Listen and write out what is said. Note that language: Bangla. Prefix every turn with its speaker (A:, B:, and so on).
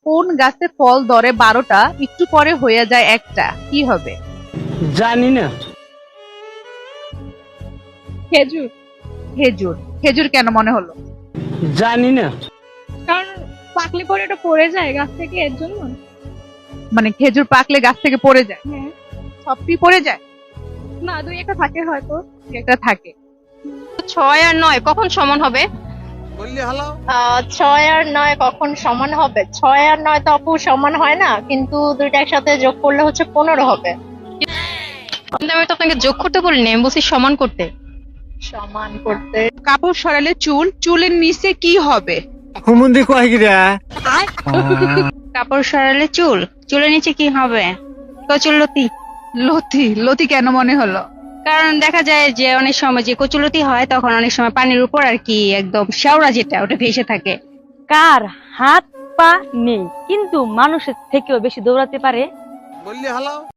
A: কোন গাছে ফল ধরে 12টা, একটু পরে হয়ে যায় একটা, কি হবে?
B: জানি না।
C: খেজুর।
A: খেজুর। খেজুর কেন মনে হলো?
B: জানি না।
C: কারণ পাকলে পরে ওটা পড়ে যায় গাছ থেকে, এর জন্য।
A: মানে খেজুর পাকলে গাছ থেকে পড়ে যায়?
C: হ্যাঁ।
A: সবটি পড়ে যায়?
C: না, দুই একটা থাকে হয়তো।
A: একটা থাকে।
D: 6 আর 9 কখন সমান হবে?
B: বললি হলো
D: 6 আর 9 কখন সমান হবে? 6 আর 9 তো আপু সমান হয় না, কিন্তু দুইটা একসাথে যোগ করলে হচ্ছে 15 হবে। কিন্তু আমি তো আপনাকে যোগ করতে বলিনি, আমি বলছি সমান করতে। সমান করতে
A: কাপড় সরালে চুল, চুলের নিচে কি হবে?
B: হুমুন্দি কয় গিরা
D: কাপড় সরালে চুল, চুলের নিচে কি হবে? কচুলতি।
A: লতি। লতি কেন মনে হলো?
D: কারণ দেখা যায় যে অনেক সময় যে কচুলতি হয় তখন অনেক সময় পানির উপর আর কি একদম শেওড়া যেটা ওটা ভেসে থাকে।
E: কার হাত পা নেই কিন্তু মানুষের থেকেও বেশি দৌড়াতে পারে?
B: বললি হলো